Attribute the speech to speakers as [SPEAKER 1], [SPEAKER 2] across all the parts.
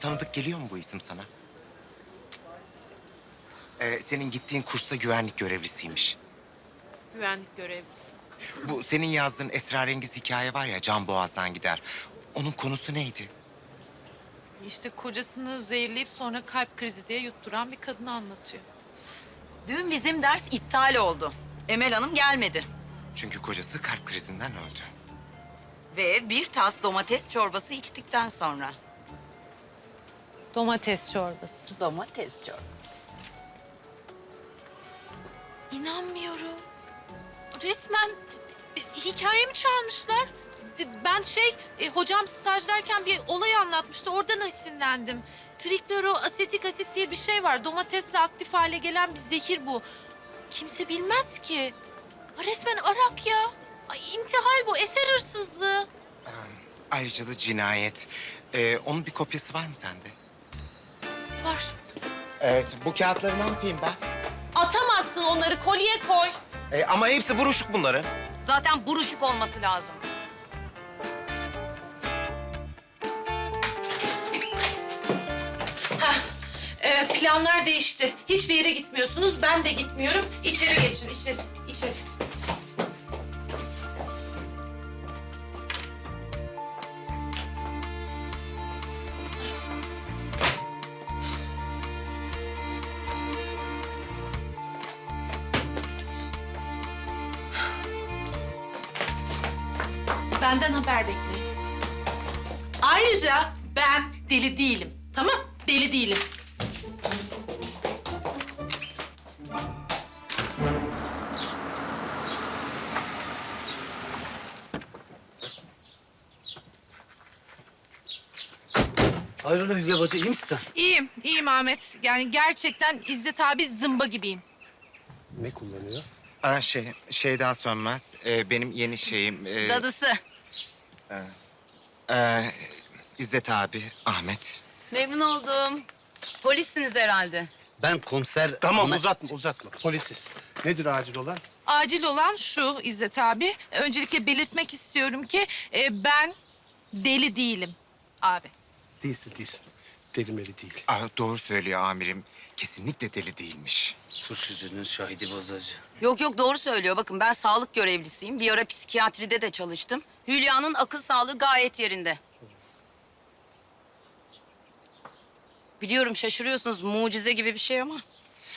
[SPEAKER 1] tanıdık geliyor mu bu isim sana? Senin gittiğin kursta güvenlik görevlisiymiş.
[SPEAKER 2] Güvenlik görevlisi.
[SPEAKER 1] Bu senin yazdığın esrarengiz hikaye var ya, Can Boğaz'dan gider. Onun konusu neydi?
[SPEAKER 2] İşte kocasını zehirleyip sonra kalp krizi diye yutturan bir kadını anlatıyor.
[SPEAKER 3] Dün bizim ders iptal oldu. Emel Hanım gelmedi.
[SPEAKER 1] Çünkü kocası kalp krizinden öldü.
[SPEAKER 3] Ve bir tas domates çorbası içtikten sonra.
[SPEAKER 2] Domates çorbası.
[SPEAKER 3] Domates çorbası.
[SPEAKER 2] İnanmıyorum. Resmen hikayemi çalmışlar. Ben hocam stajdayken bir olay anlatmıştı. Oradan esinlendim. Trikloroasetik asit diye bir şey var. Domatesle aktif hale gelen bir zehir bu. Kimse bilmez ki. Resmen arak ya. Ay, intihal bu, eser hırsızlığı.
[SPEAKER 1] Ayrıca da cinayet. Onun bir kopyası var mı sende?
[SPEAKER 2] Var.
[SPEAKER 1] Evet, bu kağıtları ne yapayım ben?
[SPEAKER 2] Atamazsın onları, kolye koy.
[SPEAKER 1] Ama hepsi buruşuk bunların.
[SPEAKER 3] Zaten buruşuk olması lazım.
[SPEAKER 2] Planlar değişti. Hiçbir yere gitmiyorsunuz, ben de gitmiyorum. İçeri geçin, içeri, içeri. Benden haber bekleyin. Ayrıca ben deli değilim. Tamam? Deli değilim.
[SPEAKER 4] Hayrola Hülya bacı, iyi misin sen?
[SPEAKER 2] İyiyim, iyiyim Ahmet. Yani gerçekten İzzet abi zımba gibiyim.
[SPEAKER 5] Ne kullanıyor?
[SPEAKER 1] Şey daha Sönmez. Benim yeni şeyim.
[SPEAKER 3] Dadısı.
[SPEAKER 1] İzzet abi, Ahmet.
[SPEAKER 3] Memnun oldum. Polissiniz herhalde.
[SPEAKER 4] Ben komiser...
[SPEAKER 5] Tamam
[SPEAKER 4] Ahmet-
[SPEAKER 5] uzatma. Polisiz. Nedir acil olan?
[SPEAKER 2] Acil olan şu İzzet abi. Öncelikle belirtmek istiyorum ki ben deli değilim abi.
[SPEAKER 5] Değilsin. Delimeli değil.
[SPEAKER 1] Doğru söylüyor amirim. Kesinlikle deli değilmiş.
[SPEAKER 4] Turşucunun şahidi bozacı.
[SPEAKER 3] Yok doğru söylüyor. Bakın ben sağlık görevlisiyim. Bir ara psikiyatride de çalıştım. Hülya'nın akıl sağlığı gayet yerinde. Biliyorum şaşırıyorsunuz, mucize gibi bir şey ama.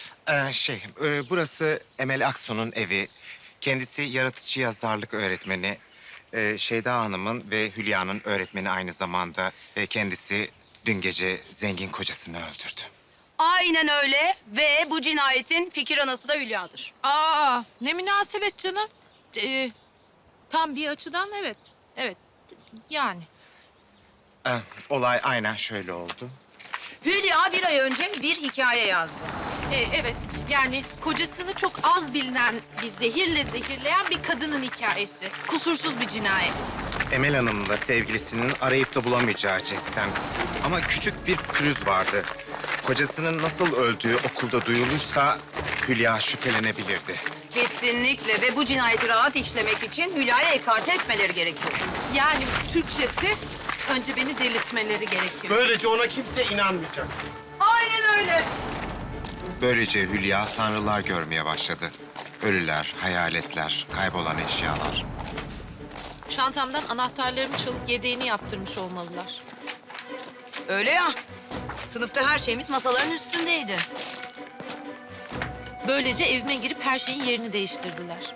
[SPEAKER 1] Burası Emel Aksu'nun evi. Kendisi yaratıcı yazarlık öğretmeni. Şeyda Hanım'ın ve Hülya'nın öğretmeni aynı zamanda. Ve kendisi dün gece zengin kocasını öldürdü.
[SPEAKER 3] Aynen öyle ve bu cinayetin fikir anası da Hülya'dır.
[SPEAKER 2] Ne münasebet canım. Tam bir açıdan evet. Evet. Yani.
[SPEAKER 1] Olay aynen şöyle oldu.
[SPEAKER 3] Hülya bir ay önce bir hikaye yazdı.
[SPEAKER 2] Evet. Yani kocasını çok az bilinen bir zehirle zehirleyen bir kadının hikayesi. Kusursuz bir cinayet.
[SPEAKER 1] Emel Hanım'ın da sevgilisinin arayıp da bulamayacağı cinsten. Ama küçük bir pürüz vardı. Kocasının nasıl öldüğü okulda duyulursa Hülya şüphelenebilirdi.
[SPEAKER 3] Kesinlikle ve bu cinayeti rahat işlemek için Hülya'ya ekarte etmeleri gerekiyor.
[SPEAKER 2] Yani Türkçesi önce beni delirtmeleri gerekiyor.
[SPEAKER 5] Böylece ona kimse inanmayacak.
[SPEAKER 3] Aynen öyle.
[SPEAKER 1] Böylece Hülya sanrılar görmeye başladı. Ölüler, hayaletler, kaybolan eşyalar.
[SPEAKER 2] Çantamdan anahtarlarımı çalıp yedeğini yaptırmış olmalılar.
[SPEAKER 3] Öyle ya. Sınıfta her şeyimiz masaların üstündeydi.
[SPEAKER 2] Böylece evime girip her şeyin yerini değiştirdiler.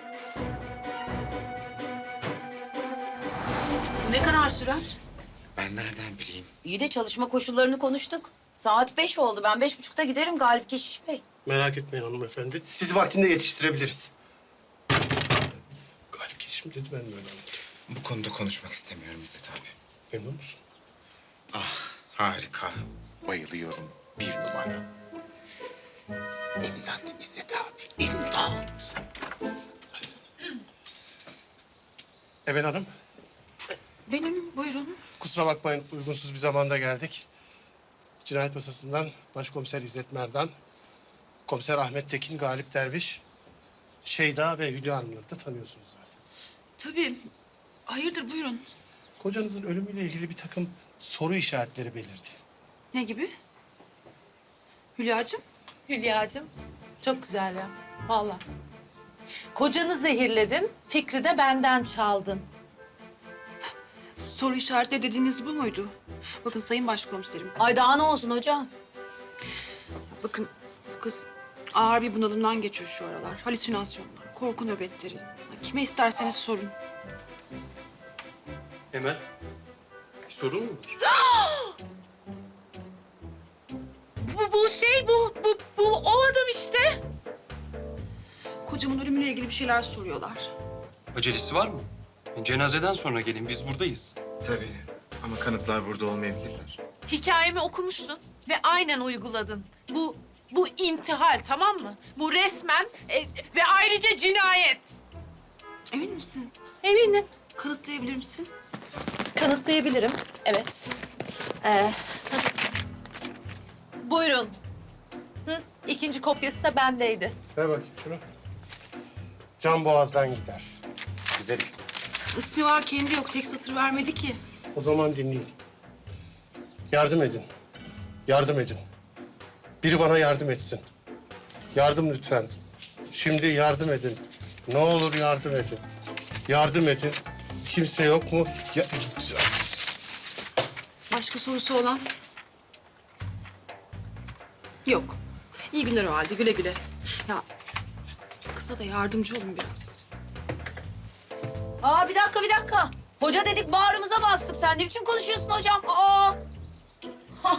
[SPEAKER 3] Bu ne kadar sürer?
[SPEAKER 1] Ben nereden bileyim?
[SPEAKER 3] İyi de çalışma koşullarını konuştuk. Saat 5 oldu. Ben 5.30'da giderim Galip Keşiş Bey.
[SPEAKER 5] Merak etmeyin hanımefendi. Sizi vaktinde yetiştirebiliriz. Galip geçişim dedi, ben de öyle anladım.
[SPEAKER 1] Bu konuda konuşmak istemiyorum İzzet abi.
[SPEAKER 5] Memnun musun?
[SPEAKER 1] Harika. Bayılıyorum. Bir numara. İmdat İzzet abi. İmdat.
[SPEAKER 5] Emel Hanım,
[SPEAKER 3] Benim, buyurun.
[SPEAKER 5] kusura bakmayın uygunsuz bir zamanda geldik. Cinayet masasından Başkomiser İzzet Merdan, Komiser Ahmet Tekin, Galip Derviş, Şeyda ve Hülya Hanım'ları da tanıyorsunuz zaten.
[SPEAKER 6] Tabii. Hayırdır buyurun.
[SPEAKER 5] Kocanızın ölümüyle ilgili bir takım soru işaretleri belirdi.
[SPEAKER 6] Ne gibi? Hülya'cığım?
[SPEAKER 2] Hülya'cığım çok güzel ya. Vallahi. Kocanı zehirledin, fikri de benden çaldın.
[SPEAKER 6] Soru işaretleri dediğiniz bu muydu? Bakın Sayın Başkomiserim.
[SPEAKER 3] Ay daha ne olsun hocam?
[SPEAKER 6] Bakın bu kız ağır bir bunalımdan geçiyor şu aralar. Halüsinasyonlar, korku nöbetleri. Kime isterseniz sorun.
[SPEAKER 7] Emel, bir sorun mu var?
[SPEAKER 2] Bu o adam işte.
[SPEAKER 6] Kocamın ölümüyle ilgili bir şeyler soruyorlar.
[SPEAKER 7] Acelesi var mı? Cenazeden sonra gelin, biz buradayız.
[SPEAKER 1] Tabii ama kanıtlar burada olmayabilirler.
[SPEAKER 2] Hikayemi okumuştun ve aynen uyguladın. Bu intihal, tamam mı? Bu resmen ve ayrıca cinayet.
[SPEAKER 6] Emin misin?
[SPEAKER 2] Eminim.
[SPEAKER 6] Kanıtlayabilir misin?
[SPEAKER 2] Kanıtlayabilirim. Evet. Buyurun. İkinci kopyası da bendeydi.
[SPEAKER 5] Ver bakayım şunu. Can boğazdan gider.
[SPEAKER 1] Güzel isim.
[SPEAKER 6] İsmi var, kendi yok. Tek satır vermedi ki.
[SPEAKER 5] O zaman dinleyin. Yardım edin. Yardım edin. Biri bana yardım etsin. Yardım lütfen. Şimdi yardım edin. Ne olur yardım edin. Yardım edin. Kimse yok mu?
[SPEAKER 6] Başka sorusu olan? Yok. İyi günler o halde. Güle güle. Ya kıza da yardımcı olun biraz.
[SPEAKER 3] Aa bir dakika. Hoca dedik bağrımıza bastık. Sen ne biçim konuşuyorsun hocam? Aa. Hah.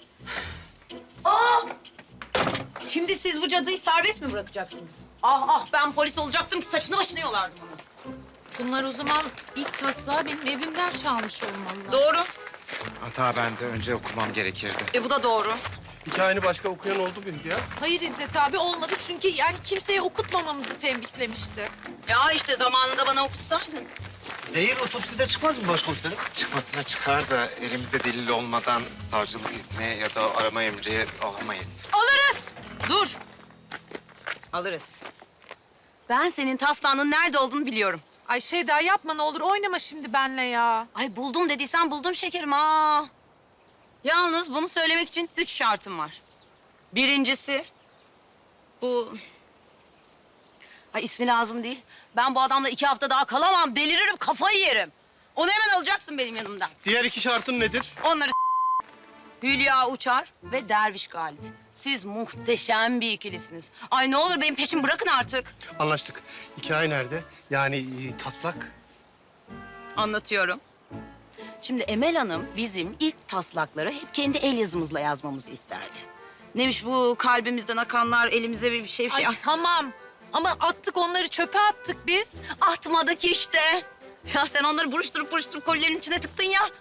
[SPEAKER 3] Aa. Şimdi siz bu cadıyı serbest mi bırakacaksınız? Ben polis olacaktım ki saçını başını yolardım onu.
[SPEAKER 2] Bunlar o zaman ilk taslağı benim evimden çalmış olmalı.
[SPEAKER 3] Doğru.
[SPEAKER 1] Hata bende. Önce okumam gerekirdi.
[SPEAKER 3] Bu da doğru.
[SPEAKER 5] Hikayeni başka okuyan oldu mu ya?
[SPEAKER 2] Hayır İzzet abi olmadı çünkü yani kimseye okutmamamızı tembihlemişti.
[SPEAKER 3] Ya işte zamanında bana okutsaydın.
[SPEAKER 4] Zehir otopside çıkmaz mı başkomiserim?
[SPEAKER 1] Çıkmasına çıkar da elimizde delil olmadan savcılık izni ya da arama emri alamayız.
[SPEAKER 3] Alırız. Dur. Alırız. Ben senin taslağının nerede olduğunu biliyorum.
[SPEAKER 2] Ay Şeyda yapma ne olur oynama şimdi benle ya.
[SPEAKER 3] Ay buldum dediysen buldum şekerim ha. Yalnız bunu söylemek için 3 şartım var. Birincisi bu... Ay ismi lazım değil. Ben bu adamla 2 hafta daha kalamam. Deliririm, kafayı yerim. Onu hemen alacaksın benim yanımdan.
[SPEAKER 5] Diğer iki şartın nedir?
[SPEAKER 3] Onları Hülya Uçar ve Derviş Galip. Siz muhteşem bir ikilisiniz. Ay ne olur benim peşimi bırakın artık.
[SPEAKER 5] Anlaştık. Hikaye nerede? Yani taslak.
[SPEAKER 3] Anlatıyorum. Şimdi Emel Hanım bizim ilk taslakları hep kendi el yazımızla yazmamızı isterdi. Neymiş bu kalbimizden akanlar, elimize bir şey...
[SPEAKER 2] Ay tamam ama attık onları çöpe attık biz.
[SPEAKER 3] Atmadık işte. Ya sen onları buruşturup kolilerin içine tıktın ya.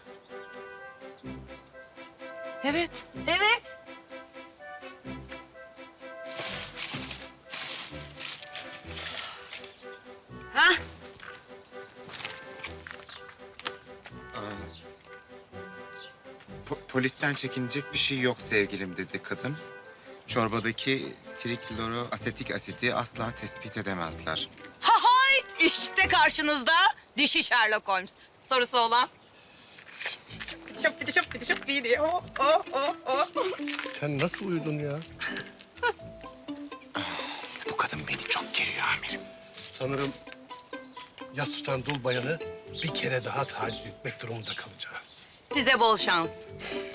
[SPEAKER 2] Evet.
[SPEAKER 3] Evet. Hah.
[SPEAKER 1] Polisten çekinecek bir şey yok sevgilim dedi kadın. Çorbadaki trikloroasetik asidi asla tespit edemezler.
[SPEAKER 3] Hayt işte karşınızda dişi Sherlock Holmes. Sorusu olan. Şop bir diyor.
[SPEAKER 5] Sen nasıl uyudun ya?
[SPEAKER 1] Bu kadın beni çok geriyor amirim.
[SPEAKER 5] Sanırım yas tutan dul bayanı bir kere daha taciz etmek durumunda kalacağız.
[SPEAKER 3] Size bol şans.